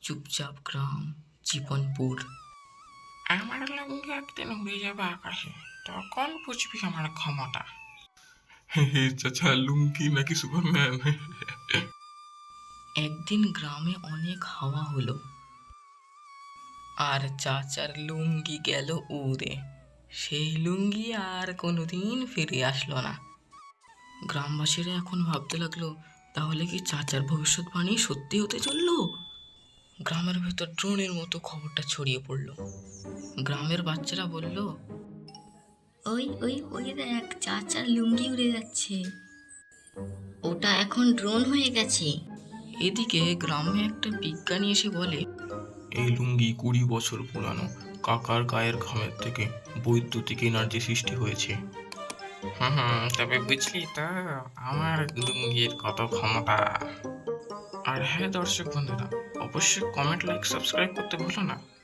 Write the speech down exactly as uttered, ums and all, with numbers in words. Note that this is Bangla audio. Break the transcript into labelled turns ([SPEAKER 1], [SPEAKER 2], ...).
[SPEAKER 1] চুপচাপ গ্রাম, জীবনপুর।
[SPEAKER 2] আমার লুঙ্গি একদিন উড়ে যাবে আকাশে, তখন বুঝবি আমার ক্ষমতা।
[SPEAKER 3] হে হে চাচা, লুঙ্গি নাকি সুপারম্যান?
[SPEAKER 1] একদিন গ্রামে অনেক হাওয়া হলো, আর চাচার লুঙ্গি গেল উড়ে। সেই লুঙ্গি আর কোনোদিন ফিরে আসলো না। গ্রামবাসীরা এখন ভাবতে লাগলো, তাহলে কি চাচার ভবিষ্যৎবাণী সত্যি হতে চললো? গ্রামের ভেতর ড্রোনের মতো খবরটা ছড়িয়ে পড়লো। গ্রামের বাচ্চারা বলল, ওই ওই ওই দেখ, চাচার লুঙ্গি উড়ে যাচ্ছে, ওটা এখন ড্রোন হয়ে গেছে। এদিকে গ্রামে একটা বিজ্ঞানী এসে বলে,
[SPEAKER 3] এই লুঙ্গি কুড়ি বছর পুরানো। কাকার গায়ের ঘামের থেকে বৈদ্যুতিক এনার্জি সৃষ্টি হয়েছে।
[SPEAKER 2] হুম হুম তবে বুঝলি তো আমার লুঙ্গির কত ক্ষমতা। আর হ্যাঁ দর্শক বন্ধুরা, অবশ্যই কমেন্ট, লাইক, সাবস্ক্রাইব করতে ভুলো না।